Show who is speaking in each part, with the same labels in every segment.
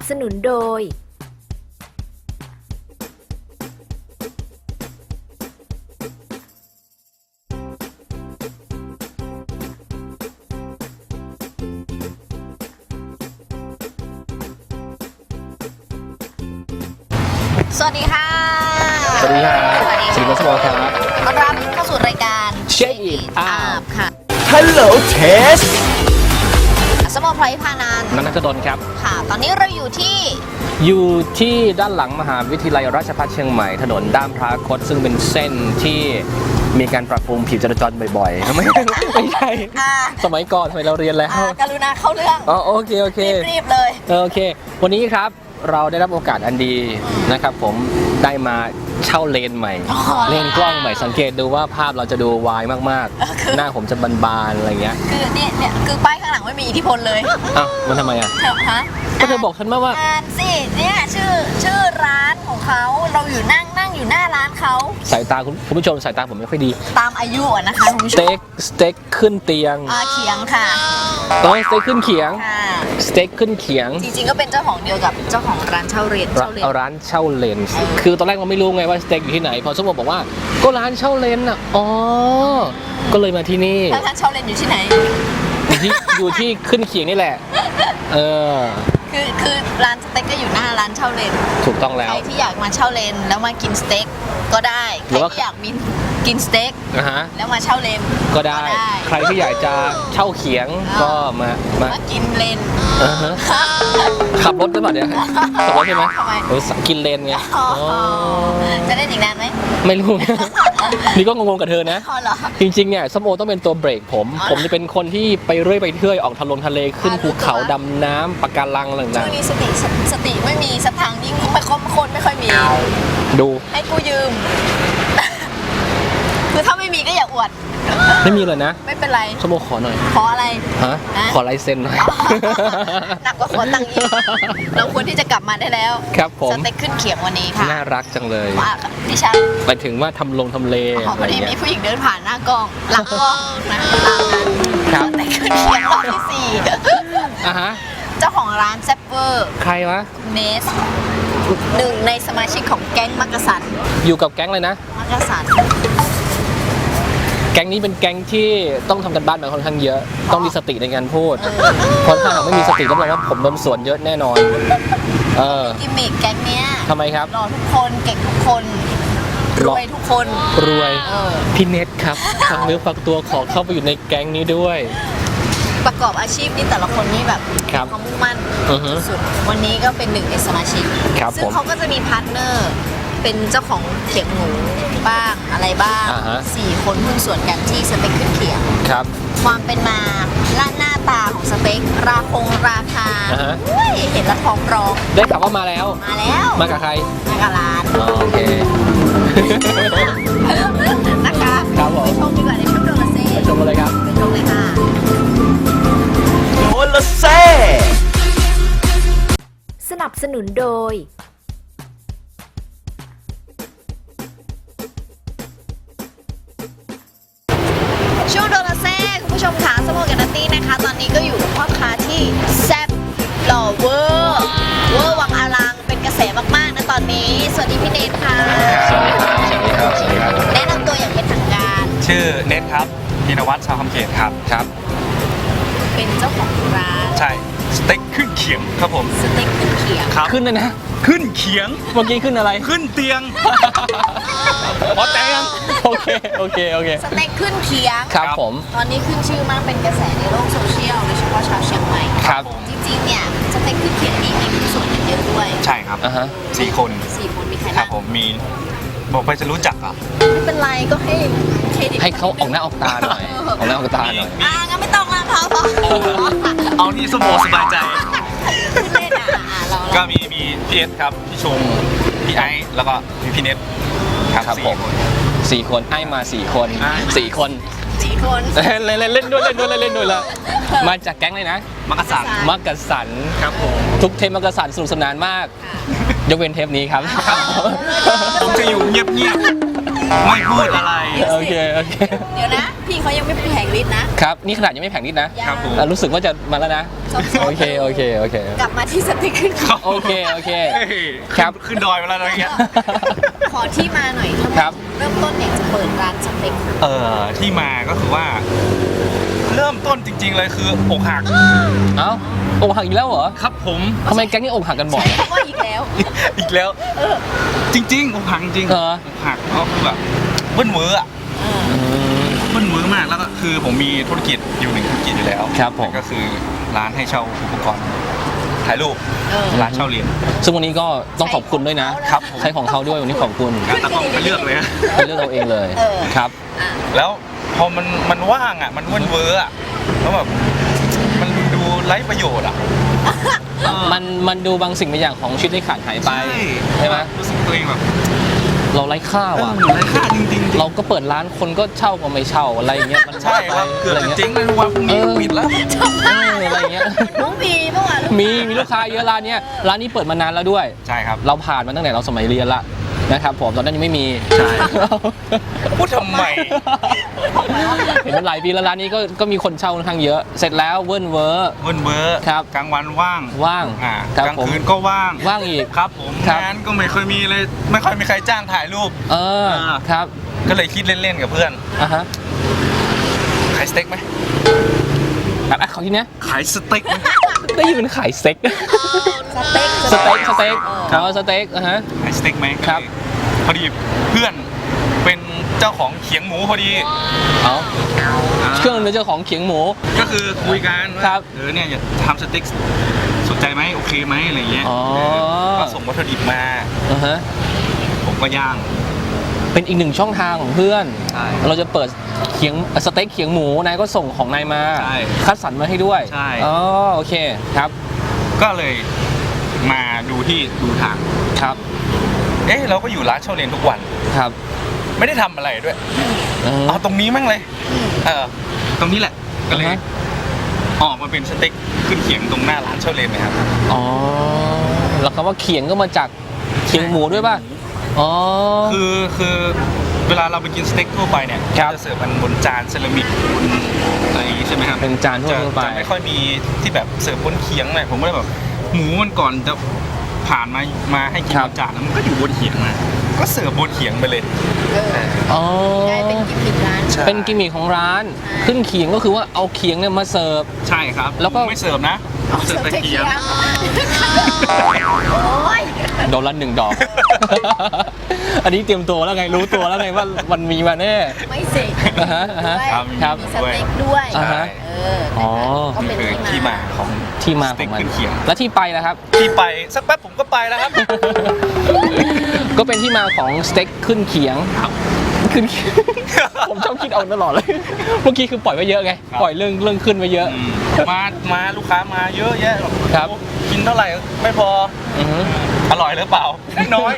Speaker 1: สนุนโดยสวัสดีค่ะ
Speaker 2: สวัสดีครับสวัสดีครับสวัสดีครับ
Speaker 1: ต้อนรับเข้าสู่รายการ
Speaker 2: Check It Out
Speaker 1: ค่ะ
Speaker 3: Hello Test
Speaker 1: สมอพลอยพานันท์
Speaker 2: นันทดลครับ
Speaker 1: ค่ะ ตอนนี้เราอยู่ที่
Speaker 2: อยู่ที่ด้านหลังมหาวิทยาลัยราชภัฏเชียงใหม่ถนนด้ามพระคดซึ่งเป็นเส้นที่มีการปรับปรุงผิวจราจรบ่อยๆ ไม่ใช่ สมัยก่อนสมัยเราเรียนแล้ว
Speaker 1: กรุณาเข้าเรื่อง
Speaker 2: อ๋อโอเค
Speaker 1: รีบเลย
Speaker 2: โอเค วันนี้ครับเราได้รับโอกาสอันดีนะครับผมได้มาเช่าเลนส์ใหม่ เลนส์กล้องใหม่สังเกตดูว่าภาพเราจะดูวายมากๆ หน้าผมจะบานๆอะไรเงี้ย
Speaker 1: คือเนี่ยคือป้ายข้างหลังไม่มีอิทธิพลเลย
Speaker 2: อ้าวมันทำไมอ่ะ
Speaker 1: ฮะ
Speaker 2: ก็เธอบอกฉันมาว่า
Speaker 1: อ่านสิเนี่ยชื่อร้านของเขาเราอยู่นั่งอยู่หน้าร้านเขา
Speaker 2: สายตาคุณผู้ชมสายตาผมไม่ค่อยดี
Speaker 1: ตามอายุอะนะคะคุณผู้
Speaker 2: ส
Speaker 1: ชม
Speaker 2: เต็กขึ้นเตียง
Speaker 1: เขียงค่ะ
Speaker 2: ต้องสเต็กขึ้นเขียง
Speaker 1: ค่ะ
Speaker 2: สเต็กขึ้นเขียง
Speaker 1: จริงๆก็เป็นเจ้าของเดียวกับเจ้าของร้านเช่าเลน
Speaker 2: เอาร้านเช่าเลนส์คือตอนแรกเราไม่รู้ไงว่าสเต็กอยู่ที่ไหนพอสมมติบอกว่าก็ร้านเช่าเลนส์อ่ะอ๋อก็เลยมาที่นี่
Speaker 1: แล้วร้านเช่าเลนอยู่ที่ไหน
Speaker 2: อยู่ที่ขึ้นเขียงนี่แหละเออ
Speaker 1: คือร้านสเต็กก็อยู่หน้าร้านเช่าเลน
Speaker 2: ถูกต้องแล้
Speaker 1: ใคว รที่อยากมาเช่าเลนแล้วมากินสเต็กก็ได้
Speaker 2: ห
Speaker 1: ใค
Speaker 2: รื
Speaker 1: ร
Speaker 2: อว่า
Speaker 1: ที่อยากกินสเต็ก
Speaker 2: นะฮะ
Speaker 1: แล้วมาเช่าเลน
Speaker 2: ก็ได้ใครที่อยากจะเช่าเขียงก็มา
Speaker 1: มากินเลน
Speaker 2: อ่าฮะขับรถได้ป่ะเนี่ยขับรถใช่ไหม
Speaker 1: ทำไม
Speaker 2: กินเลนไง
Speaker 1: อ๋อ
Speaker 2: อ๋อ
Speaker 1: จะได้อีกนานไหม
Speaker 2: ไม่รู้ นี่ก็งงๆกับเธอนะ
Speaker 1: อ๋อเหรอ
Speaker 2: จริงๆเนี่ยส้มโอต้องเป็นตัวเบรกผม
Speaker 1: อ๋อ
Speaker 2: ผมจะเป็นคนที่ไปเรื่อยไปเที่ยวออกทะเลขึ้นภูเขา
Speaker 1: รู้ตัว
Speaker 2: ดำน้ำปะการังอะไร
Speaker 1: ช่
Speaker 2: ต่าว ง
Speaker 1: งนี้สติไม่มีสตางค์ยิ่งไม่คนไม่ค่อยมี
Speaker 2: ๆดู
Speaker 1: ให้กูยืม คือถ้าไม่มีก็อย่าอวด
Speaker 2: ไม่มีเลยนะ
Speaker 1: ไม่เป็นไร
Speaker 2: ส้มโอขอหน่อย
Speaker 1: ขออะไร
Speaker 2: ฮะ
Speaker 1: นะ
Speaker 2: ขอลายเซ็นหน่อย
Speaker 1: หนักกว่าขอตังค์อีกเราควรที่จะกลับมาได้แล้ว
Speaker 2: ครับผม
Speaker 1: สเต็กขึ้นเขียงวันนี้ค่ะ
Speaker 2: น่ารักจังเลย
Speaker 1: ว่าดิฉัน
Speaker 2: ไปถึงว่าทำเล
Speaker 1: พอ
Speaker 2: อะไร
Speaker 1: ดี
Speaker 2: เงี้
Speaker 1: มี
Speaker 2: ย
Speaker 1: ผู้หญิงเดินผ่านหน้ากล้อง หลังกล้องนะตามนั้น
Speaker 2: ครับ
Speaker 1: สเต็กขึ้นเขียงรอบที่สี่
Speaker 2: อ่ะฮะ
Speaker 1: เจ้าของร้านแซปเปอร์
Speaker 2: ใครวะ
Speaker 1: เนสหนึ่งในสมาชิกของแก๊งมักกะสัน
Speaker 2: อยู่กับแก๊งเลยนะ
Speaker 1: มักกะสัน
Speaker 2: แก๊งนี้เป็นแก๊งที่ต้องทำกันบ้านมาค่อนข้างเยอะ ต้องมีสติในการพูด เพราะถ้าหากไม่มีสติรับรองว่าผมโดนสวนเยอะแน่นอน เออ
Speaker 1: กิมมิกแก๊งเนี้ย
Speaker 2: ทำไมครับ
Speaker 1: หล่อทุกคนเก่งทุกคนรวยทุกคน
Speaker 2: รวย
Speaker 1: เออ
Speaker 2: พี่เน็ตครับทางเนื้อฝากตัวขอเข้าไปอยู่ในแก๊งนี้ด้วย
Speaker 1: ประกอบอาชีพนี่แต่ละคนนี่แบบ
Speaker 2: ครับ
Speaker 1: ความมุ่งมั่น
Speaker 2: อือฮึ
Speaker 1: สุดๆวันนี้ก็เป็นหนึ่งในสมาชิก
Speaker 2: ครับ
Speaker 1: ซึ่ง
Speaker 2: ผม
Speaker 1: เขาก็จะมีพาร์ทเนอร์เป็นเจ้าของเขียงหมูบ้างอะไรบ้าง
Speaker 2: อ่าฮะ
Speaker 1: 4 คนหุ้นส่วนกันที่สเต็กขึ้นเขียง
Speaker 2: ครับ
Speaker 1: ความเป็นมาและหน้าตาของสเต็กราคา
Speaker 2: อ่าฮะ
Speaker 1: เฮ้ยเห็นแล้วท้องร้อง
Speaker 2: ได้ข่าวว่ามาแล้ว
Speaker 1: มาแล้ว
Speaker 2: มากับใคร
Speaker 1: มากับร้าน
Speaker 2: อ๋อโอเค
Speaker 1: นะคะ
Speaker 2: ครับผม
Speaker 1: ไปชมดีกว่าในช่วงโดนละเซ่
Speaker 2: ไปชมกันเลยครับ
Speaker 1: ไปชมเลยค่ะ
Speaker 3: โดนละเซ่
Speaker 1: สนับสนุนโดยช่วงโดนละเซ่คุณผู้ชมค่ะสโมกันนัตตี้นะคะ ตอนนี้ก็อยู่กับพ่อค้าที่แซ่บหล่อเวอร์วังอลังเป็นกระแสมากๆนะตอนนี้ สวัสดีพี่เนทค่ะ
Speaker 4: สวัสดีครับ สวัสดีครับ สวัสดีครับ
Speaker 1: แนะนำตัวอย่างเป็นทางการ
Speaker 4: ชื่อเน็ตครับพินวัฒน์ชาวคำเขตครับ
Speaker 2: ครับ
Speaker 1: เป็นเจ้าของร้าน
Speaker 4: ใช่ สเต็กขึ้นเขียงครับผม
Speaker 1: สเต็กขึ้นเขียง
Speaker 4: ครับ
Speaker 2: ขึ้นเลยนะ
Speaker 4: ขึ้นเขียง
Speaker 2: เมื่อกี้ขึ้นอะไร
Speaker 4: ขึ้นเตียง พอใจยัง
Speaker 2: โอเค
Speaker 1: สเต็กขึ้นเขียง
Speaker 2: ครับผม
Speaker 1: ตอนนี้ขึ้นชื่อมากเป็นกระแสในโลกโซเชียลโดยเฉพาะชาวเชียงใหม่
Speaker 2: ครับ
Speaker 1: จริงๆเนี่ยสเต็กขึ้นเขียงนี่มีผู้นส่วนกันเยอะด้วย
Speaker 4: ใช่ครับ
Speaker 2: อ่าฮะ
Speaker 4: 4 คน
Speaker 1: 4 คนมีใคร
Speaker 4: ครั
Speaker 1: บ้า
Speaker 4: บ
Speaker 1: ง
Speaker 4: ผมมี บอกไปจะรู้จักอ่ะ
Speaker 1: ไม่เป็นไรก็ให้เครดิต
Speaker 2: ให้เขาออกหน้าออกตาหน่อย ออกหน้าออกตาหน่อย
Speaker 1: งั้นไม่ต้องละพอ
Speaker 4: เอานี่สมองสบายใจ
Speaker 1: เล่นเรา
Speaker 4: ก็มีพี่เอสครับ พี่ชง พี่ไอซ์แล้วก็มีพี่เน็ตครับ
Speaker 2: ครับ
Speaker 4: สี่
Speaker 2: ผม
Speaker 4: คน
Speaker 2: 4 คนให้มา 4 คน
Speaker 4: อ่า
Speaker 2: 4 คน
Speaker 1: 4 คน
Speaker 2: เล่นด้วยละมาจากแก๊งเลยนะ
Speaker 4: มักกะสัน
Speaker 2: มักกะสัน
Speaker 4: ครับผม
Speaker 2: ทุกเทปมักกะสันสนุกสนานมาก ยกเว้นเทปนี้ครับ
Speaker 4: ผมจะอยู่เงียบๆ ไม่พูดอะไร
Speaker 2: โอเค
Speaker 1: เดี๋ยวนะ พี่พี่เขายังไม่แผงฤทธิ์นะครับ
Speaker 2: นี่ขนาดยังไม่แผงนิดนะ
Speaker 4: ครับผม
Speaker 2: รู้สึกว่าจะมาแล้วนะ โอเค โอเค โอเค
Speaker 1: กลับมาที่สเต็กขึ้น
Speaker 2: โอเค โอเค
Speaker 4: เฮ้ย
Speaker 2: ครับ
Speaker 4: ขึ้นดอยมาแล้วอะไรเงี้ย
Speaker 1: ขอที่มาหน่อยทำไม
Speaker 2: ครับ
Speaker 1: เริ่มต้นอยากจะเปิดร้านสเต็ก
Speaker 4: ที่มาก็คือว่า เริ่มต้นจริง ๆ เลยคืออกหัก
Speaker 2: เอ้าอกหักอีกแล้วเหรอ
Speaker 4: ครับผม
Speaker 2: ทำไมแก๊งนี้อกหักกันบ่อย
Speaker 1: เพราะว่าอีกแล้ว
Speaker 4: อีกแล้ว จริงๆอกหักจริง
Speaker 2: เหรอ
Speaker 4: อกหักก็คือแบบเบิ้ลเวอร์อะเบิ้ลเวอร์มากแล้วก็คือผมมีธุรกิจอยู่หนึ่งธุรกิจอยู่แล้ว
Speaker 2: ครับผม
Speaker 4: ก็คือร้านให้เช่าอุปกรณ์ถ่ายรูป ร้านเช่าเหรียญ
Speaker 2: ซึ่งวันนี้ก็ต้องขอบคุณด้วยนะ
Speaker 4: ครับผม
Speaker 2: ใช้ของเขาด้วยวันนี้ขอบคุณ
Speaker 4: งั้นตากล้องไปเลือกเลยนะ
Speaker 2: ไปเลือกเอาเองเลย ครับ
Speaker 4: แล้วพอมันว่างอ่ะ มันเบิ้ลเวอร์อ่ะแล้วแบบมันดูไร้ประโยชน์อ่ะ
Speaker 2: มันดูบางสิ่งบางอย่างของชีวิตที่ขาดหายไป ใช่ไหม
Speaker 4: รู้สึกตัวเองแบบ
Speaker 2: เราไร้ค่าว่ะ
Speaker 4: ไร้ค่าจริงๆ
Speaker 2: เราก็เปิดร้านคนก็เช่าก็ไม่เช่าอะไรอย่างเงี้ยมัน
Speaker 4: ใช่ครับเกือบ
Speaker 2: อะไร
Speaker 4: จะ
Speaker 2: เงี้ย
Speaker 4: เจ๊งเลยวันพรุ่งนี้ปิดแล้ว
Speaker 2: อะไรเงี้ย
Speaker 1: น้องมีเมื่อวาน
Speaker 2: มีลูกค้าเยอะร้านเนี้ยร้านนี้เปิดมานานแล้วด้วย
Speaker 4: ใช่ครับ
Speaker 2: เราผ่านมาตั้งแต่เราสมัยเรียนละนะครับผมตอนนั้นยังไม่มี
Speaker 4: ใช่ พูดทำไม
Speaker 2: เห็นมันหลายปีแล้วร้านนี้ก็มีคนเช่าค่อนข้างเยอะ เสร็จแล้วเวิร์นเวอร์
Speaker 4: เบิ้ลเวอร์
Speaker 2: ครับ
Speaker 4: กลางวันว่าง
Speaker 2: ว่าง ครับ
Speaker 4: กลาง
Speaker 2: ผม
Speaker 4: คืนก็ว่าง
Speaker 2: ว่างอีก
Speaker 4: ครับผม
Speaker 2: ครับ
Speaker 4: งานก็ไม่เคยมีเลย ไม่ค่อยมีใครจ้างถ่ายรูป
Speaker 2: เออครับ
Speaker 4: ก็เลยคิดเล่นๆกับเพื่อน
Speaker 2: อ่ะฮะ
Speaker 4: ขายสเต็กไหม
Speaker 2: แบบเขาทีเนี้ย
Speaker 4: ขายสเต็กไหม
Speaker 2: ได้ยินเป็นขายสเต็ก
Speaker 1: สเต็ก
Speaker 2: สเต็กสเต็กสเต็กอ่ะฮะ
Speaker 4: ขายสเต็กไหม
Speaker 2: ครับ
Speaker 4: พอดีเพื่อนเป็นเจ้าของเขียงหมูพอดี
Speaker 2: เอาเครื่องเป็นเจ้าของเขียงหมู
Speaker 4: ก็คือคุยกันว่า
Speaker 2: ครับ
Speaker 4: เนี่ยอยากทำสเต็กสนใจไหมโอเคไหมอะไรเงี้ย
Speaker 2: อ๋อ
Speaker 4: ก็ส่งวัตถุดิบมา
Speaker 2: อ่ะฮะ
Speaker 4: ผมก็ย่าง
Speaker 2: เป็นอีกหนึ่งช่องทางของเพื่อน
Speaker 4: ใช่
Speaker 2: เราจะเปิดเขียงสเต็กเขียงหมูนายก็ส่งของนายมา
Speaker 4: ใช่
Speaker 2: คัดสรรมาให้ด้วย
Speaker 4: ใช่
Speaker 2: อ๋อโอเคครับ
Speaker 4: ก็เลยมาดูทาง
Speaker 2: ครับ
Speaker 4: เราก็อยู่ร้านเช่าเรียนทุกวัน
Speaker 2: ครับ
Speaker 4: ไม่ได้ทำอะไรด้วย
Speaker 2: อืม
Speaker 4: เอาตรงนี้มั่งเลยตรงนี้แหละก็เลย
Speaker 2: อ่าฮะ
Speaker 4: ออกมาเป็นสเต็กขึ้นเขียงตรงหน้าร้านเช่าเรียนเลยครับ
Speaker 2: อ๋อแล้วคำว่าเขียงก็มาจากเขียงหมูด้วยป่ะอ๋อ
Speaker 4: คือเวลาเราไปกินสเต็กทั่วไปเนี่ย
Speaker 2: ครับ
Speaker 4: จะเสิร์ฟมันบนจานเซรามิกบนอะไรอย่างงี้ใช่ไหมครับ
Speaker 2: เป็นจานทั่วไป
Speaker 4: จะไม่ค่อยมีที่แบบเสิร์ฟบนเขียงเลยผมก็เลยแบบหมูมันก่อนจะผ่านมาให้กินบนจานแล้วมันก็อยู่บนเขียงนะก็เสิร์ฟบนเขียงไปเลย
Speaker 2: อ๋อก
Speaker 1: ลายเป็นกิมมิคร้าน
Speaker 4: ใช่
Speaker 2: เป็นกิมมิคของร้าน ขึ้นเขียงก็คือว่าเอาเขียงเนี่ยมาเสิร์ฟ
Speaker 4: ใช่ครับ
Speaker 2: แล้วก็
Speaker 4: ไม่เสิร์ฟนะเสิร์ฟแต่เขียง
Speaker 1: โอ้ย
Speaker 2: โดนละ1 ดอก อันนี้เตรียมตัวแล้วไงรู้ตัวแล้วไงว่ามันมีมาแน่
Speaker 1: ไม่สิ
Speaker 2: อ่าฮะอ่าฮะ
Speaker 1: ด้วย
Speaker 2: ครับ
Speaker 1: มีสเต็กด้วย
Speaker 2: อ่าฮะ อ๋อ
Speaker 1: ก็
Speaker 4: นี่
Speaker 1: เป็น
Speaker 4: คือที่มาของ
Speaker 2: ที่มา
Speaker 4: ส
Speaker 2: ข
Speaker 4: เต็
Speaker 2: อก งมัน
Speaker 4: ขึ้นเขียง
Speaker 2: และที่ไปนะครับ
Speaker 4: ที่ไปสักแป๊บผมก็ไปแล้วครับ
Speaker 2: ก็เป็นที่มาของสเต็กขึ้นเขียง
Speaker 4: ครับ
Speaker 2: ขึ้นเขียง ผมชอบคิดเอาตลอดเลย เมื่อกี้คือปล่อยไว้เยอะไง
Speaker 4: ครับ
Speaker 2: ปล่อยเรื่องขึ้นไว้เยอะ
Speaker 4: มาลูกค้ามาเยอะแยะ
Speaker 2: ครับ
Speaker 4: กินเท่าไหร่ไม่พอ
Speaker 2: อือฮึ
Speaker 4: อร่อยหรือเปล่าน้อย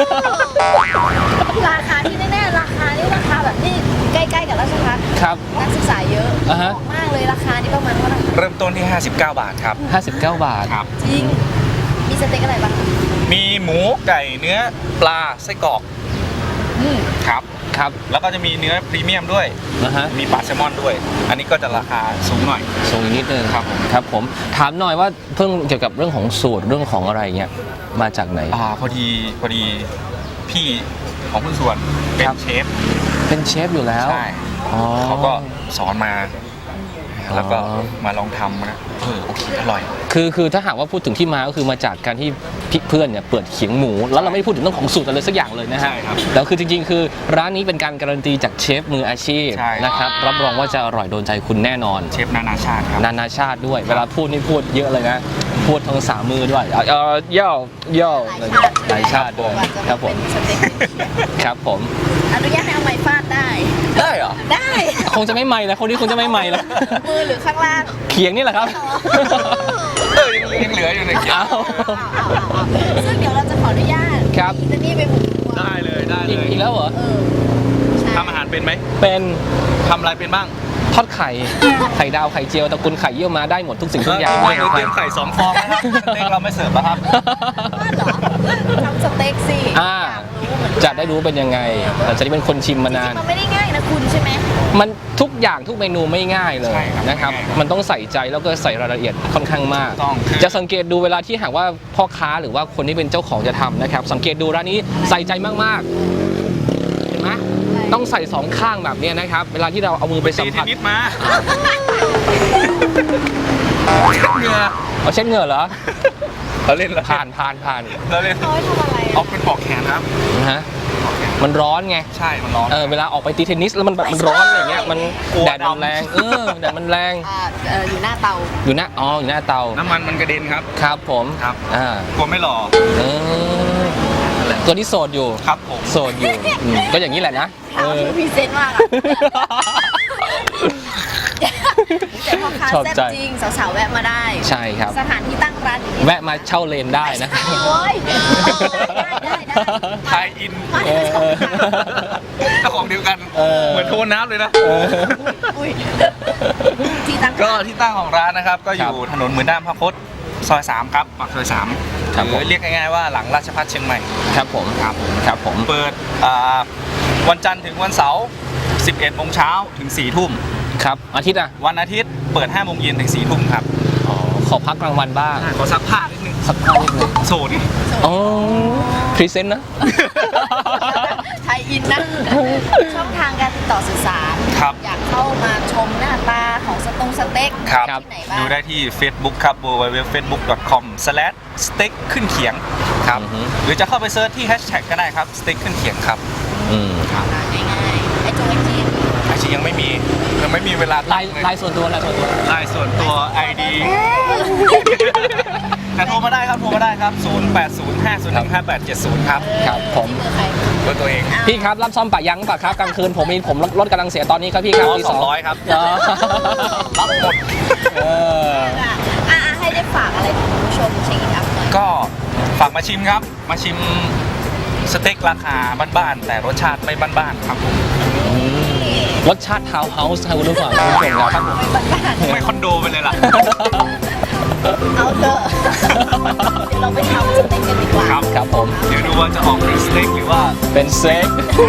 Speaker 1: ราคาที่แน่ๆราคานี่ราคาแบบนี่ใกล้ๆกับราชพัฒน์
Speaker 2: ครับ
Speaker 1: นักศึกษาเยอะ
Speaker 2: อ่าฮะ
Speaker 1: บอกมากเลยราคานี่ประมาณเท่าไหร่
Speaker 4: เริ่มต้นที่ 59 บาทครับ
Speaker 2: 59 บาท
Speaker 4: ครับ
Speaker 1: จริง มีสเต็กอะไรบ้าง
Speaker 4: มีหมูไก่เนื้อปลาไส้กรอกครับ
Speaker 2: ครับ
Speaker 4: แล้วก็จะมีเนื้อพรีเมียมด้วย
Speaker 2: นะฮะ
Speaker 4: มีปลาแซลมอนด้วย อันนี้ก็จะราคาสูงหน่อย
Speaker 2: ส่งอีกนิดนึง
Speaker 4: ครับผม
Speaker 2: ครับผม ถามหน่อยว่าเพิ่งเกี่ยวกับเรื่องของสูตรเรื่องของอะไรเงี้ย มาจากไหน
Speaker 4: พอดีพี่ของคุณส่วนเป็น
Speaker 2: ครับ
Speaker 4: เชฟ
Speaker 2: เป็นเชฟอยู่แล้ว
Speaker 4: ใช่
Speaker 2: อ๋อ
Speaker 4: เขาก็สอนมา แล้วก็
Speaker 2: อ๋อ
Speaker 4: มาลองทำนะโอเคอร่อย
Speaker 2: คือถ้าหากว่าพูดถึงที่มาก็คือมาจากการที่เพื่อนเนี่ยเปิดเขียงหมู แล้วเราไม่ได้พูดถึงเรื่องของสูตรอะไรสักอย่างเลยนะฮะ
Speaker 4: ใช่ครับ
Speaker 2: แล้วคือจริงๆ คือร้านนี้เป็นการการันตีจากเชฟมืออาชีพ
Speaker 4: ใช่
Speaker 2: นะครับรับรองว่าจะอร่อยโดนใจคุณแน่นอน
Speaker 4: เชฟนานาชาติครับ
Speaker 2: นานาชาติด้วย เวลาพูดนี่พูดเยอะเลยนะ พูดทั้งสามมือด้วยย่อหลายชาติด้วย
Speaker 1: กว่าจะ
Speaker 2: ครับผม
Speaker 1: เป็นสเต็ก
Speaker 2: ครับผม
Speaker 1: อนุญาตให้เอาไม้ฟาดได้
Speaker 4: ได้เหรอ
Speaker 1: ได้
Speaker 2: คงจะไม่ใหม่แล้วคนนี้คงจะไม่ใหม่แล้ว
Speaker 1: มือหรือข้างล่าง
Speaker 2: เขียงนี่แหละครับ
Speaker 4: ยังเหลืออยู่ในเขียง
Speaker 2: อ้าว
Speaker 1: ซึ่งเดี๋ยวเราจะขออนุญาต
Speaker 2: ครับ
Speaker 1: จะนี่ไปบุกครัว
Speaker 4: ได้เลยได้
Speaker 2: อี
Speaker 4: เล
Speaker 2: ก
Speaker 4: ย
Speaker 2: อีกแล้วเหรอ
Speaker 1: ใช่
Speaker 4: ทำอาหารเป็นไหม
Speaker 2: เป็น
Speaker 4: ทำอะไรเป็นบ้าง
Speaker 2: ทอดไข่ไข่ดาวไข่เจียวตระกูลไข่เยี่ยวมาได้หมดทุกสิ่งทุกอย่าง
Speaker 4: เตรียมไข่2 ฟองนะครับสเต็กเราไม่เสิร์ฟนะครับ
Speaker 1: ฟาดเหรอทำสเต็กสิ
Speaker 2: อ่า
Speaker 1: อยากรู้เหมือน
Speaker 2: จะได้รู้เป็นยังไงหลังจากที่เป็นคนชิมมานาน
Speaker 1: มันไม่ได้ง่ายนะคุณใช่ไหม
Speaker 2: มันทุกอย่างทุกเมนูไม่ง่ายเลย
Speaker 4: ใช่ครับ
Speaker 2: นะครับ
Speaker 4: ไม่ง่ายครับ
Speaker 2: มันต้องใส่ใจแล้วก็ใส่รายละเอียดค่อนข้างมาก
Speaker 4: ต้องคือ
Speaker 2: จะสังเกตดูเวลาที่หากว่าพ่อค้าหรือว่าคนที่เป็นเจ้าของจะทำนะครับ สังเกตดูร้านนี้ใส่ใจมากๆ เห็นไหมต้องใส่สองข้างแบบเนี้ยนะครับ เวลาที่เราเอามือไปสั
Speaker 4: ตี
Speaker 2: ม
Speaker 4: เท
Speaker 2: ผัส
Speaker 4: นนิสมาเหงื่อ
Speaker 2: เอาเช็ดเหงื่อเหรอ
Speaker 4: เราเล่นแล้ว
Speaker 2: ผ่าน
Speaker 4: เราเล่น
Speaker 1: เขาให้ทำอะไร
Speaker 4: ออกเป็นปอกแขนครับ
Speaker 2: นะฮะมันร้อนไง
Speaker 4: ใช่มันร้อน
Speaker 2: เวลาออกไปตีเทนนิสแล้วมันแบบมันร้อนอะไรเงี้ยมัน
Speaker 4: กลัว
Speaker 2: แดดมัน
Speaker 4: ดำ
Speaker 2: แรงแดดมันแรง
Speaker 1: อยู่หน้าเตา
Speaker 2: อยู่หน้าอยู่หน้าเตา
Speaker 4: น้ำมันมันกระเด็นครับ
Speaker 2: ครับผม
Speaker 4: ครับ
Speaker 2: อ่าก
Speaker 4: ลัวไม่หล่อ
Speaker 2: เออตัวที่โสดอยู่
Speaker 4: ครับผม
Speaker 2: โสดอยู่ก็อย่างนี้แหละนะ
Speaker 1: เอาที่พรีเซนต์มากอะแต่พ่อค้า
Speaker 2: ชอบ
Speaker 1: แซ่บ
Speaker 2: ใจ
Speaker 1: จริงสาวๆแวะมาได้
Speaker 2: ใช่ครับ
Speaker 1: สถานที่ตั้งร้านอยู่ที่
Speaker 2: แวะมาเช่าเลนได้นะ
Speaker 1: โอ้ยได้
Speaker 4: ไทยอิน
Speaker 1: มา
Speaker 2: เออ
Speaker 4: เจ้าของเดียวกัน เหมือนโทนน้ำเลยนะ
Speaker 1: อุ้ยที่ตั้ง
Speaker 4: ก็ที่ตั้งของร้านนะครับ ก็อยู่ถนนหมื่นด้ามพระพตซอย 3 ครับปากซอย 3
Speaker 2: ครับ
Speaker 4: ห
Speaker 2: ผม
Speaker 4: รือเรียกง่ายๆว่าหลังราชพัฒเชียงใหม่
Speaker 2: ครับผมครับผม
Speaker 4: เปิดวันจันทร์ถึงวันเสาร์ 11 โมงเช้าถึง 4 ทุ่ม
Speaker 2: ครับอาทิตย์อ่ะ
Speaker 4: วันอาทิตย์เปิด 5 โมงเย็นถึง 4 ทุ่มครับ
Speaker 2: ขอพักกลางวันบ้าง
Speaker 4: ขอซักผ้านิดนึง
Speaker 2: สักพักนิดนึง
Speaker 4: โสดนี่
Speaker 2: อ๋อพรีเซนต์นะ
Speaker 1: ไทยอินนะ ช่องทางการติดต่อสื่อสาร
Speaker 4: ครับ
Speaker 1: อยากเข้ามาชมหน้าตาของสเต็ก
Speaker 4: ครับ
Speaker 1: ที่ไหนบ้าง
Speaker 4: ดูได้ที่ Facebook ครับ www.facebook.com/steak ขึ้นเขียงครับ
Speaker 2: อือฮึ
Speaker 4: หรือจะเข้าไปเซิร์ชที่แฮชแท็กก็ได้ครับ steak ขึ้นเขียงครับ
Speaker 1: ง่ายๆไอ้จงไอจี
Speaker 4: อาชียังไม่มีเวลา
Speaker 2: ไลน์ส่วนตัว
Speaker 4: ไลน์ส่วนตัว ID แต่โทรมาได้ครับ 0805015870 ครับ
Speaker 2: ครับผม
Speaker 1: เบอร์ใคร
Speaker 4: เบอร์ตัวเอง
Speaker 2: พี่ครับรับซ่อมปะยังปะครับกลางคืนผมรถกำลังเสียตอนนี้ครับพี่ครับ
Speaker 4: อ๋อ
Speaker 2: ที่สอง
Speaker 4: 200ครับ
Speaker 2: อ๋อ
Speaker 4: รับหมด
Speaker 1: ให้ได้ฝากอะไรถึงคุณผู้ชมเช็คอินอัพหน่อย
Speaker 4: ก็ฝากมาชิมครับ มาชิมสเต็กราคาบ้านๆแต่รสชาติไม่บ้านๆครับผม
Speaker 2: รสชาติทาวน์เฮาส์ครับคุณผู้ฟังคุณผู้ชมครับ
Speaker 4: ไม่คอนโดไปเลยล่ะ
Speaker 1: เอาเถอะเดี๋ยวเราไปทำสเต็กกันดีกว่า
Speaker 4: ครับ
Speaker 2: ครับผม
Speaker 4: เดี๋ยวดูว่าจะออกเป็นสเต็กหรือว่า
Speaker 2: เป็นเซ็ก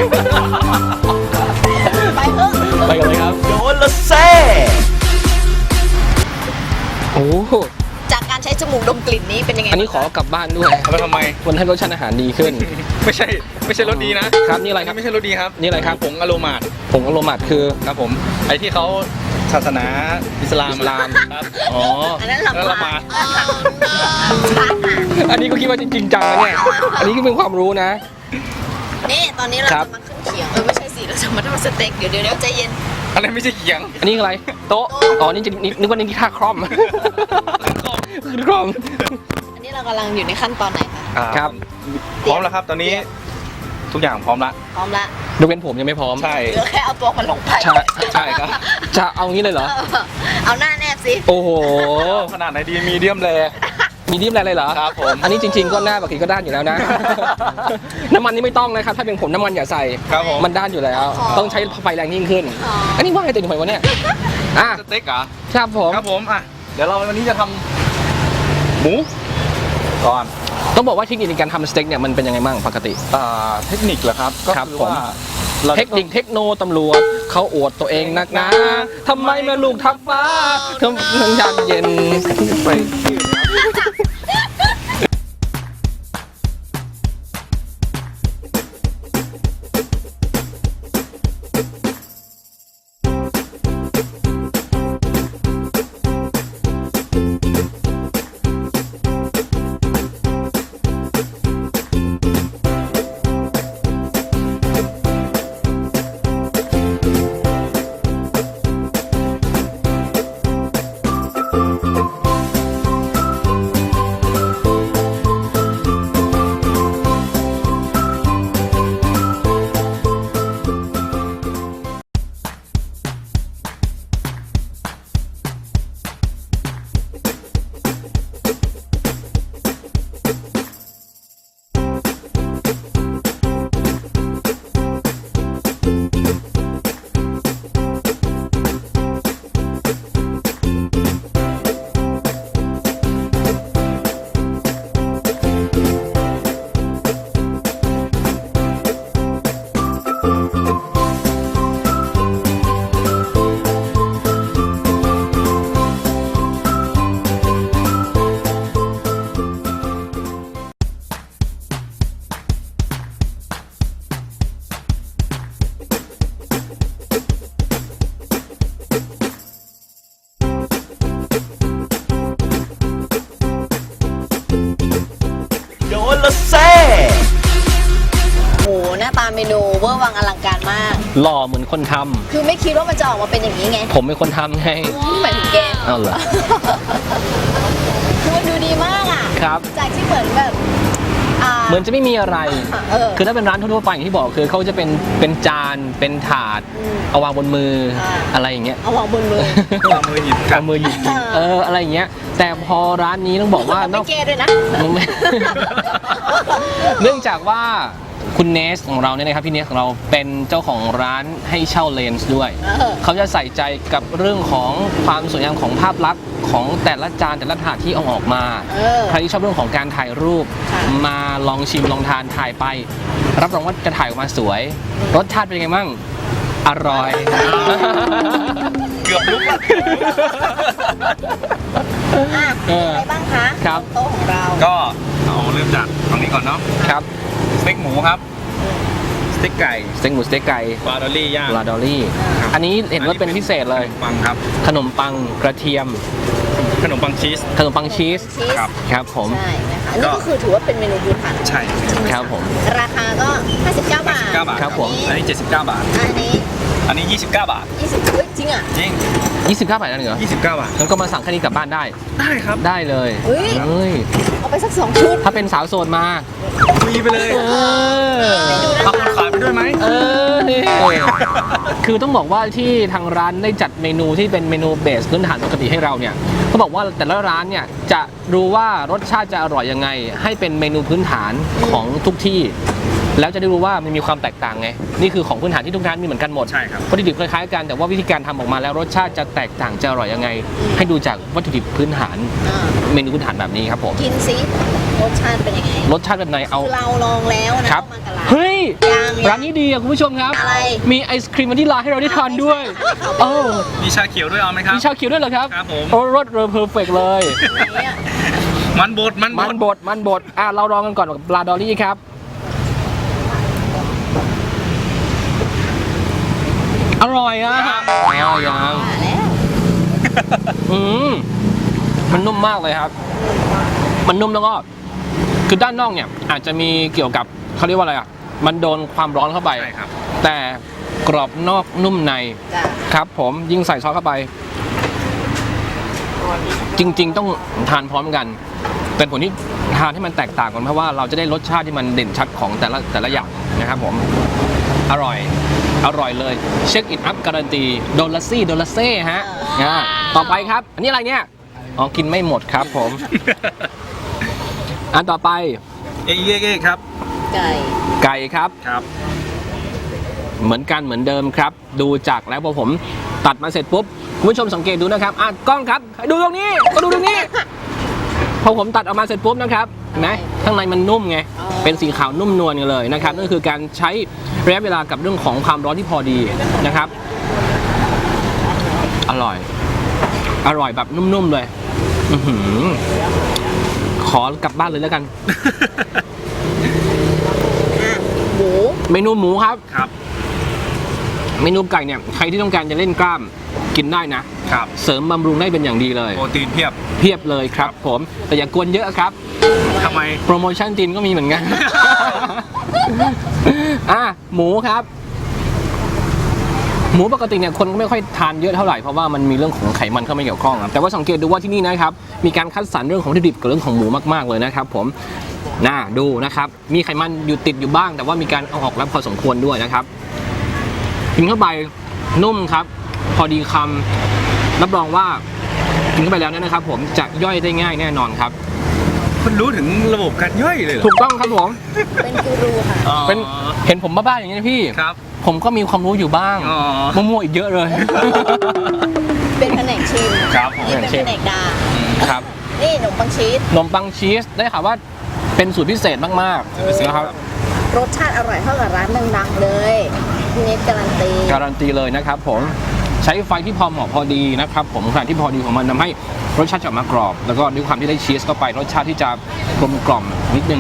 Speaker 1: ไปเถอะ
Speaker 2: ไปกันเลยครับ
Speaker 3: โดนละเซ่
Speaker 2: โอ้โห
Speaker 1: จากการใช้จมูกดมกลิ่นนี้เป็นยังไง
Speaker 2: อันนี้ขอกลับบ้านด้วย
Speaker 4: แล้วทำไม
Speaker 2: มันให้รสชาติอาหารดีขึ้น
Speaker 4: ไม่ใช่รสดีนะครับ
Speaker 2: นี่อะไรครับ
Speaker 4: ไม่ใช่รสดีครับ
Speaker 2: นี่อะไรครับ
Speaker 4: ผงอโรมาด
Speaker 2: ผงอโรมัดคือ
Speaker 4: ครับผมไอ้ที่เขาศาสนาอิสลาม
Speaker 2: อิสลาม
Speaker 4: ครับ
Speaker 2: อ๋อ
Speaker 1: อันนั้น
Speaker 4: แล้ว
Speaker 1: ลำ
Speaker 4: ละห
Speaker 1: บา
Speaker 4: มา
Speaker 1: ก
Speaker 4: ด
Speaker 2: อันนี้ก็คิดว่าจริงจังนะเนี่ย อันนี้ก็เป็นความรู้นะ
Speaker 1: นี่ตอนนี้เรา
Speaker 2: ครั
Speaker 1: จะ
Speaker 2: บ
Speaker 1: มาขึ้นเขียงไม่ใช่สิเราจะมาทำสเต็กเดี๋ยวใจเย็น
Speaker 4: อะไรไม่ใช่เขียง
Speaker 2: อันนี้อะไร โต๊ะ อ๋อ นี่จะนึกว่านี่ท่าคร่อมขึ้นคร่อม
Speaker 1: อันนี้เรากำลังอยู่ในขั้นตอนไหนคะ
Speaker 2: ครับ
Speaker 4: พร้อมแล้วครับ ตอนนี้ทุกอย่างพร้อมละ
Speaker 1: พร้อมละ
Speaker 2: ยกเว้นผมยังไม่พร้อม
Speaker 4: ใช่
Speaker 1: เหลือแค่เอาตัวมันลงไป
Speaker 2: ใช่ครับ จะเอางี้เลยเหรอ
Speaker 1: เอาหน้าแนบสิ
Speaker 2: โอ้โห
Speaker 4: ขนาดไหนดีมีเดียมแร
Speaker 2: มีดิมอะไรเลยเหรอ
Speaker 4: ครับผม
Speaker 2: อันนี้จริง ๆ ก็หน้าปกติก็ด้านอยู่แล้วนะ น้ำมันนี่ไม่ต้องนะครับ ถ้าเป็นผมน้ำมันอย่าใส่
Speaker 4: ครับผม
Speaker 2: มันด้านอยู่แล้ว ต้องใช้ไฟแรงยิ่งขึ้น อันนี้ว่าไงเต็มหัววะเนี่ย อ่ะ
Speaker 4: สเต็กเหรอ
Speaker 2: ครับผม
Speaker 4: ครับผมอ่ะเดี๋ยวเราวันนี้จะทำหมูก่อน
Speaker 2: ต้องบอกว่าเทคนิคในการทำสเต็กเนี่ยมันเป็นยังไงบ้างปกติ
Speaker 4: เทคนิคเหรอครับก็
Speaker 2: ครับ
Speaker 4: คือ
Speaker 2: ผม
Speaker 4: ว่าเรา
Speaker 2: เทคนิคเทคโนตำรวจเขาอวดตัวเองนักนะทำไมแม่ลูกทับฟ้าทำทั้งยามเย็น
Speaker 4: ไป
Speaker 2: หล่อเหมือนคนทำ
Speaker 1: คือไม่คิดว่ามันจะออกมาเป็นอย่างนี้ไง
Speaker 2: ผมเป็นคนทำไง
Speaker 1: หมายถึงแก
Speaker 2: เอาเหรอ
Speaker 1: คือมันดูดีมากอ่ะ
Speaker 2: ครับ
Speaker 1: จากที่เหมือนแบบ
Speaker 2: เหมือนจะไม่มีอะไร
Speaker 1: เออ
Speaker 2: คือถ้าเป็นร้านทั่วๆไปอย่างที่บอกคือเขาจะเป็นจานเป็นถาด เอาวางบนมืออะไรอย่างเงี้ย
Speaker 1: เอาวางบนมือ
Speaker 4: เอามือหยิบกั
Speaker 2: เอา
Speaker 4: น
Speaker 2: มือหยิบกินอะไรอย่างเงี้ย แต่พอร้านนี้ต้องบอกว่า
Speaker 1: ไม่เกย์ด้วยนะ
Speaker 2: เนื่องจากว่าคุณเนสของเราเนี่ยนะครับพี่เนสของเราเป็นเจ้าของร้านให้เช่าเลนส์ด้วย เขาจะใส่ใจกับเรื่องของความสวยงามของภาพลักษณ์ของแต่ละจานแต่ละถาดที่เอาออกมาใครที่ชอบเรื่องของการถ่ายรูป มาลองชิมลองทานถ่ายไป รับรองว่าจะถ่ายออกมาสวย รสชาติเป็นยังไงบ้างอร่อย
Speaker 4: เกือบลุกแล้ว
Speaker 1: อะไรบ้างคะ
Speaker 2: ครับ
Speaker 1: โต๊ะของเรา
Speaker 4: ก็เอาเริ่มจากฝั่งนี้ก่อนเนาะ
Speaker 2: ครับ
Speaker 4: สเต็กหมูครับสเต็กไก่
Speaker 2: สเต็กหมูสเต็กไก่
Speaker 4: ปลาดอลลี่ย่าง
Speaker 2: ลาดอลลี่
Speaker 4: ครับ
Speaker 2: อันนี้เห็นว่าเป็นพิเศษเลย
Speaker 4: ปังครับ
Speaker 2: ขนมปังกระเทียม
Speaker 4: ขนมปังชีส
Speaker 2: ขนมปังชีส
Speaker 4: ครับ
Speaker 2: ครับผม
Speaker 1: ใช่นะคะอันนี้ก็คือถือว่าเป็นเมนูพื้นฐาน
Speaker 4: ใช่
Speaker 2: ครับผม
Speaker 1: ราคาก็ 59 บาท
Speaker 4: 9 บาท
Speaker 2: ครับผม
Speaker 4: อันนี้79 บาท
Speaker 1: อันนี้
Speaker 4: อันนี้29 บาท
Speaker 1: 20เฮ้ยจริงอ่ะ
Speaker 4: จริง
Speaker 2: 29 บาทนั่นเหรอ
Speaker 4: 29 บาท
Speaker 2: งั้นก็มาสั่งแค่นี้กลับบ้านได้
Speaker 4: ได้ครับ
Speaker 2: ได้เลย
Speaker 1: เฮ้ย
Speaker 2: เฮ้ย
Speaker 1: เอาไปสัก2 ชุด
Speaker 2: ถ้าเป็นสาวโสดมา
Speaker 4: มีไปเลย
Speaker 2: เออ
Speaker 4: เอาคนขายไปด้วยไหม
Speaker 2: เออนี่คือต้องบอกว่าที่ทางร้านได้จัดเมนูที่เป็นเมนูเบสพื้นฐานปกติให้เราเนี่ยเขาบอกว่าแต่ละร้านเนี่ยจะรู้ว่ารสชาติจะอร่อยยังไง ให้เป็นเมนูพื้นฐานของทุกที่ แล้วจะได้รู้ว่ามันมีความแตกต่างไงนี่คือของพื้นฐานที่ทุกร้านมีเหมือนกันหมด
Speaker 4: ใช่ครับ
Speaker 2: วัตถุดิบคล้ายๆกันแต่ว่าวิธีการทำออกมาแล้วรสชาติจะแตกต่างจะอร่อยยังไง ให้ดูจากวัตถุดิบพื้นฐาน
Speaker 1: อ่า
Speaker 2: เมนูพื้นฐานแบบนี้ครับผม
Speaker 1: กินซิรสชาติเป็นยังไง
Speaker 2: รสชาติแบบไหนเอา
Speaker 1: คือเราลองแล้วนะครับ มากับร้าน
Speaker 2: เฮ้ย
Speaker 1: ยัง
Speaker 2: ร้านนี้ดีอะคุณผู้ชมครับ
Speaker 1: อะไร
Speaker 2: มีไอศครีมวานิลลาให้เราได้ทานด้วยโอ้
Speaker 4: มีชาเขียวด้วยเอาไหมครับ
Speaker 2: มีชาเขียวด้วยเหรอครับ
Speaker 4: ครับผม
Speaker 2: โอ้รสเรอเพอร์เฟกเลย
Speaker 1: ไหนอะ
Speaker 4: มันบด
Speaker 2: มันบดเราลองกันก่อนกับปลาดอลลี่ครับอร่อยอะยัง
Speaker 1: ว่าแล้ว
Speaker 2: อืมมันนุ่มมากเลยครับ มันนุ่มแล้วก็คือด้านนอกเนี่ยอาจจะมีเกี่ยวกับเขาเรียกว่าอะไรอ่ะมันโดนความร้อนเข้าไป
Speaker 4: ใช่ครับ
Speaker 2: แต่กรอบนอกนุ่มใน
Speaker 1: จ้ะ
Speaker 2: ครับผมยิ่งใส่ซอสเข้าไป จริง ๆ ต้องทานพร้อมกัน เป็นผลที่ทานให้มันแตกต่างกันเพราะว่าเราจะได้รสชาติที่มันเด่นชัดของแต่ละอย่างนะครับผมอร่อยเลยเช็คอินอัพการันตีโดลาเซ่ฮะต่อไปครับ อันนี้อะไรเนี่ยอ๋อกินไม่หมดครับผม อันต่อไป
Speaker 4: เอ๊ะครับ
Speaker 1: ไก่
Speaker 2: ไก่ครับ
Speaker 4: ครับ
Speaker 2: เหมือนกันเหมือนเดิมครับ ดูจากแล้วพอผมตัดมาเสร็จปุ๊บคุณผู้ชมสังเกตดูนะครับกล้องครับดูตรงนี้ก็ดูตรงนี้ พอผมตัดออกมาเสร็จปุ๊บนะครับเห็นไหมข้างในมันนุ่มไงเป็นสีขาวนุ่มนวลกันเลยนะครับนั่นคือการใช้ระยะเวลากับเรื่องของความร้อนที่พอดีนะครับ อร่อยแบบนุ่มๆเลยอื้อหือขอกลับบ้านเลยแล้วกัน
Speaker 1: หมู
Speaker 2: เมนูหมูครับ
Speaker 4: ครับ
Speaker 2: เมนูไก่เนี่ยใครที่ต้องการจะเล่นกล้ามกินได้นะ
Speaker 4: ครับ
Speaker 2: เสริมบำรุงได้เป็นอย่างดีเลย
Speaker 4: โปรตีนเพียบ
Speaker 2: เพียบเลยครับผมแต่อย่ากวนเยอะครับ
Speaker 4: ทำไม
Speaker 2: โปรโมชั่นจีนก็มีเหมือนกัน หมูครับ หมูปกติเนี่ยคนก็ไม่ค่อยทานเยอะเท่าไหร่เพราะว่ามันมีเรื่องของไขมันเข้ามาเกี่ยวข้องครับแต่ว่าสังเกตดูว่าที่นี่นะครับมีการคัดสรรเรื่องของวัตถุดิบกับเรื่องของหมูมากๆเลยนะครับผมดูนะครับมีไขมันอยู่ติดอยู่บ้าง แต่ว่ามีการเอาออกแล้วพอสมควรด้วยนะครับกินเข้าไปนุ่มครับพอดีคำรับรองว่ากินเข้าไปแล้วเนี่ยนะครับผมจะย่อยได้ง่ายแน่นอนครับ
Speaker 4: คุณรู้ถึงระบบการย่อยเลยเหรอ
Speaker 2: ถูกต้องครับผม
Speaker 1: เป็นกูรูค่ะ
Speaker 4: อ๋อ
Speaker 2: เป็นเห็นผมบ้าๆอย่างนี้นะพี่
Speaker 4: ครับ
Speaker 2: ผมก็มีความรู้อยู่บ้าง
Speaker 4: อ๋อ
Speaker 2: มั่วๆอีกเยอะเลย
Speaker 1: เป็นแผนกชิม
Speaker 4: ครับผม
Speaker 1: นี่เป็นแผนกดา
Speaker 2: ครับ
Speaker 1: นี่ขนมปังชีส
Speaker 2: ขนมปังชีสได้ข่าวว่าเป็นสูตรพิเศษมากๆนะครับ
Speaker 1: รสชาติอร่อยเท่ากับร้านดังๆเลยพี่เน็ตการันตี
Speaker 2: การันตีเลยนะครับผมใช้ไฟที่พอเหมาะพอดีนะครับผมขนาดที่พอดีของมันทำให้รสชาติจะออกมากรอบ แล้วก็ด้วยความที่ได้ชีสเข้าไปรสชาติที่จะกลมกล่อมนิดนึง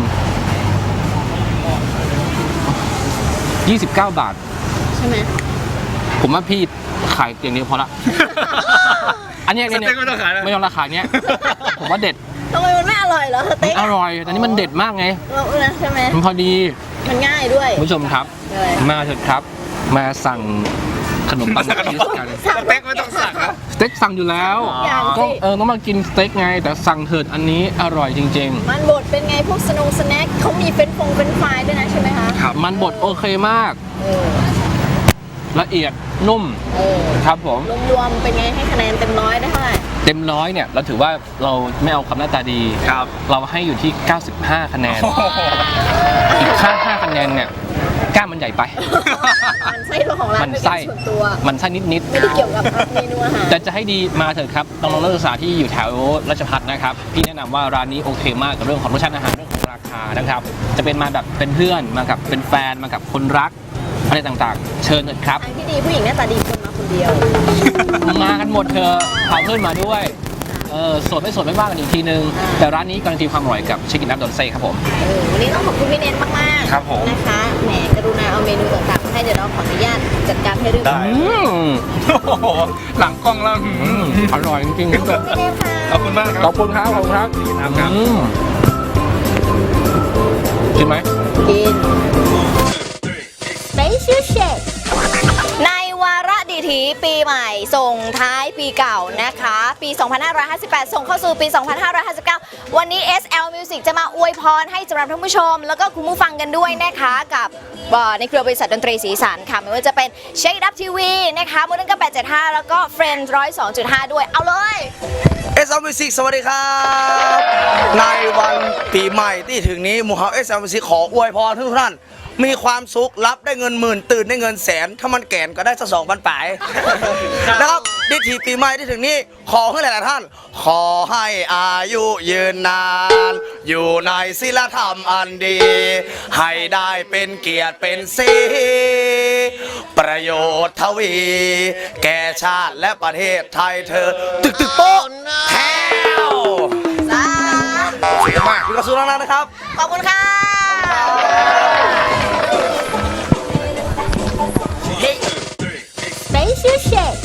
Speaker 2: 29 บาท
Speaker 1: ใช่ไหม
Speaker 2: ผมว่าพี่ขายอย่างนี้พอละ อันเนี้ย
Speaker 4: สเต็กไม่ต้องขายแล้ว
Speaker 2: ไม่ต้องราคาเนี้ย ผมว่าเด็ด
Speaker 1: ทำไมมันไม่อร่อยเหรอส
Speaker 2: มั
Speaker 1: เต็
Speaker 2: น
Speaker 1: ก
Speaker 2: อร่อยแต่นี่มันเด็ดมากไง
Speaker 1: เราใช่ไหม
Speaker 2: มันพอดี
Speaker 1: มันง่ายด้วย
Speaker 2: คุณผู้ชมครับ
Speaker 1: เลย
Speaker 2: มาเถอะครับมาสั่งขนมปังชีสกัน
Speaker 4: สเต็กไม่ต้องสั่งนะ
Speaker 2: สเต็กสั่งอยู่แล้ว
Speaker 1: อย่างสิ
Speaker 2: ก็ต้องมากินสเต็กไง แต่สั่งเถิดอันนี้อร่อยจริง
Speaker 1: มันบดเป็นไงพวกสแน็คเขามีเป็นฟรายด้วยนะใช่ไหมคะ
Speaker 2: ๆ มันบดโอเคมาก
Speaker 1: เออ
Speaker 2: ละเอียดนุ่ม
Speaker 1: เออ
Speaker 2: ครับผม
Speaker 1: รวมๆเป็นไงให้คะแนนเต็มร้อยได้เท่าไหร่
Speaker 2: เต็มร้อยเนี่ยเราถือว่าเราไม่เอาคำหน้าตาดี
Speaker 4: ครับ
Speaker 2: เราให้อยู่ที่ 95 คะแนน อีกค่า5คะแนนเนี่ยกล้ามมันใหญ่ไป
Speaker 1: มันไส้ของร้าน
Speaker 2: มัน
Speaker 1: เป็น
Speaker 2: ไส้
Speaker 1: ส่วนตัว
Speaker 2: มันไส้นิด
Speaker 1: ไม่ได้เกี่ยวกับเมนูอาหาร
Speaker 2: ๆแต่จะให้ดีมาเถอะครับน้องๆนักศึกษาที่อยู่แถวราชภัฏนะครับพี่แนะนำว่าร้านนี้โอเคมากกับเรื่องของรสชาติอาหารเรื่องของราคานะครับจะเป็นมาแบบเป็นเพื่อนมากับเป็นแฟนมากับคนรักอะไรต่างๆ เชิญเถอะครับ
Speaker 1: ทางที่ดีผู้หญิงหน้าตาดีคนมาคนเดียว
Speaker 2: มากันหมดเธอะพาเพื่อนมาด้วยโสดไม่โสดไม่ว่ากันอีกทีนึง แต่ร้านนี้การันตีความอร่อยกับชิคกี้พายดอนเซ่ครับผม
Speaker 1: วันนี้ต้องขอบคุณพี่เน้นมากๆ
Speaker 4: ครับผม
Speaker 1: นะคะแหมกรุณาเอาเมนูต่างๆมาให้เดี๋ยวเราขออนุญาตจัดการให้เรียบร้อย
Speaker 4: โอ้โหหลังกล้องแล้ว
Speaker 2: อร่อยจริงๆครับ
Speaker 1: พี่เน้นค่ะ
Speaker 4: ขอบคุณมากค
Speaker 2: ข
Speaker 4: รั
Speaker 2: อ
Speaker 4: บบ
Speaker 2: คุณครับขอบคุณครับ
Speaker 4: ครับ
Speaker 2: กินไหม
Speaker 1: กิน Special Shake ในวาระดีถีปีใหม่ส่งท้ายปีเก่านะคะ ปี 2558 ส่งเข้าสู่ปี 2559 วันนี้ SL Music จะมาอวยพรให้สำหรับท่านผู้ชม แล้วก็คุณผู้ฟังกันด้วยนะคะกับในเครือบริษัทดนตรีสีสันค่ะ ไม่ว่าจะเป็น Shake It Up TV นะคะมูลนิธิ875 แล้วก็ Friends 102.5 ด้วย เอาเลย
Speaker 5: SL Music สวัสดีครับ ในวันปีใหม่ที่ถึงนี้หมู่เฮา SL Music ขออวยพรทุกท่านมีความสุขรับได้เงินหมื่นตื่นได้เงินแสน ถ้ามันแก่นก็ได้สัก2,000 ปลายนะครับดิถีปีใหม่ที่ถึงนี้ขอให้หลายๆท่าน ขอให้อายุยืนนาน อยู่ในศีลธรรมอันดี ให้ได้เป็นเกียรติเป็นศรีประโยชน์ทวี แก่ชาติและประเทศไทยเธอ ตึกโป๊ะแถว
Speaker 1: สา
Speaker 5: มากอยู่กับสุนันท์นะครับ
Speaker 1: ขอบคุณค่ะ Special Shake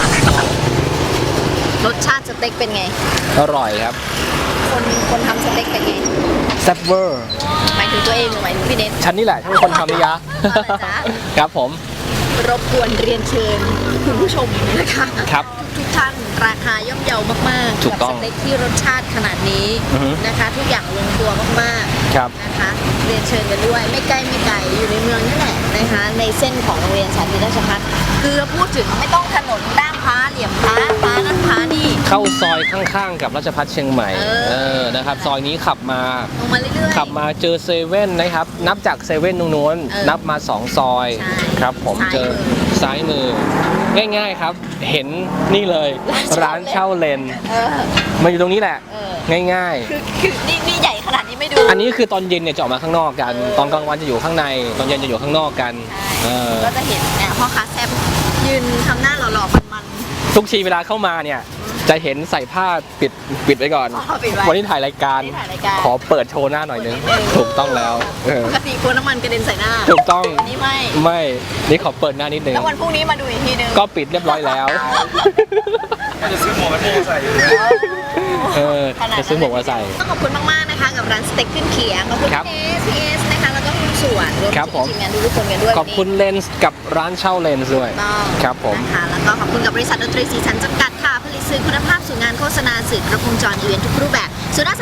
Speaker 1: รสชาติสเต็กเป็นไง
Speaker 2: อร่อยครับ
Speaker 1: คนทำสเต็กเป็นไง
Speaker 2: แซ่บเวอร์
Speaker 1: หมายถึงตัวเองหรือหมายถึงพี่เน็ต
Speaker 2: ฉันนี่แหละที่เป็นคนทำนี่ยะ
Speaker 1: เอาเลยจ๊ะ
Speaker 2: ครับผม
Speaker 1: รบกวนเรียนเชิญคุณผู้ชมนะคะ
Speaker 2: ครับ
Speaker 1: ทุกท่านราคาย่อมเยาวมากๆ
Speaker 2: ถูกต้อง
Speaker 1: สเต็กที่รสชาติขนาดนี้
Speaker 2: อือฮึ
Speaker 1: นะคะ ทุกอย่างลงตัวมากๆ
Speaker 2: ครับ
Speaker 1: นะคะเรียนเชิญกันด้วยไม่ใกล้ไม่ไกลอยู่ในเมืองนี่แหละนะคะในเส้นของโรงเรียนสาธิตราชภัฏคือพูดถึงไม่ต้องถนนด้ามพร้าเหลี่ยมพร้าพร้านั้นพร้านี่
Speaker 2: เข้าซอยข้างๆกับราชพัฒเชียงใหม่ นะครับซอยนี้ขับมา
Speaker 1: ลงมาเรื่อยๆ
Speaker 2: ขับมาเจอเซเว่นนะครับ นับจากเซเว่นตรงนู้น นับมา 2 ซอย
Speaker 1: ใช่
Speaker 2: ครับผม
Speaker 1: ซ้าย
Speaker 2: เจอซ้ายมือ ง่ายๆครับ เห็นนี่เลย ร้านเช่าเลน
Speaker 1: เออ
Speaker 2: มาอยู่ตรงนี้แหละ
Speaker 1: เออ
Speaker 2: ง่าย
Speaker 1: คือนี่ใหญ่ขนาดนี้ไม่ดู
Speaker 2: ๆ อันนี้คือตอนเย็นเนี่ยจะออกมาข้างนอกกัน ตอนกลางวันจะอยู่ข้างใน ตอนเย็นจะอยู่ข้างนอกกันเออ
Speaker 1: ก็จะเห็นเนี่ยพ่อค้าแซ่บยืนทำหน้าหล่อๆมัน
Speaker 2: ทุกทีเวลาเข้ามาเนี่ยจะเห็นใส่ผ้าปิดไว้ก่อน
Speaker 1: อ๋อปิดไว้
Speaker 2: วันนี้ถ่ายรายการ
Speaker 1: วันนี้ถ่ายรายการ
Speaker 2: ขอเปิดโชว์หน้าหน่อยนึง
Speaker 1: นิดนึง
Speaker 2: ถูกต้องแล้วเออ
Speaker 1: ปกติกลัวน้ำมันกระเด็นใส่หน้า
Speaker 2: ถูกต้อง
Speaker 1: อันนี้ไม่
Speaker 2: ไม่นี่ขอเปิดหน้านิดนึง
Speaker 1: แล้ววันพรุ่งนี้มาดูอีกทีนึง
Speaker 2: ก็ปิดเรียบร้อยแล้ว
Speaker 4: ก็จะซื้อหมวกกันน็อกใส่อยู่
Speaker 2: เออจะซื้อหมวกมาใส่
Speaker 1: ต้องขอบคุณมากๆนะคะกับร้านสเต็กขึ้นเขียงขอบคุณ
Speaker 2: ครับ
Speaker 1: พีเอสนะคะแล้วก็คุณส่วนรวม
Speaker 2: ครับผม
Speaker 1: ถึงทีมงานทุกๆคนกันด้วย
Speaker 2: ขอบคุณเลนส์กับร้านเช่าเลนส์ด้วย
Speaker 1: ถูกต้อง
Speaker 2: ครับผม
Speaker 1: นะคะแล้วก็ขอบคุณกับบริษัทดนตรีสีสันจำกัดค่ะผลิตสื่อคุณภาพสู่งานโฆษณาสื่อกระพงจรอีเวนต์ทุกรูปแบบ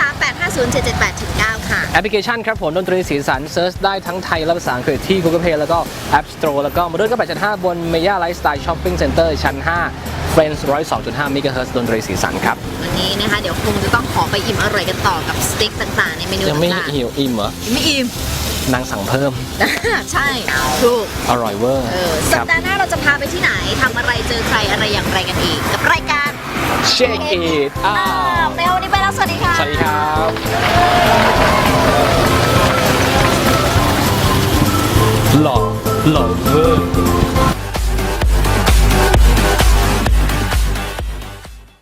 Speaker 1: 038507778-9ค่ะ
Speaker 2: แอปพลิเคชันครับผมดนตรีสีสันเซิร์ชได้ทั้งไทยและภาษาอังกฤษที่ Google Play แล้วก็ App Store แล้วก็มาด้วยก็8.5 บน Maya Lifestyle Shopping Center ชั้น 5 Friends 102.5 MHz ดนตรีสีสันครับ
Speaker 1: วันนี้นะคะเดี๋ยวคงจะต้องขอไปอิ่มอร่อยกันต่อกับสเต็กต่างๆในเมนู
Speaker 2: ยังไม่
Speaker 1: ต่าง
Speaker 2: หิวอิ่มเหรอ
Speaker 1: ๆไม่อิ่ม
Speaker 2: นางสั่งเพิ่ม
Speaker 1: ใช่ถูก
Speaker 2: อร่อยเวอร์
Speaker 1: สั
Speaker 2: ค
Speaker 1: ป
Speaker 2: รับ
Speaker 1: ดาห์หน้าเราจะพาไปที่ไหนทำอะไรเจอใครอะไรอย่างไรกันอีกกับรายการ
Speaker 2: Shake It
Speaker 1: ในวันนี้ไปแล้วสวัสดีค่ะ
Speaker 2: สวัสดีครับ หล่อเวอร์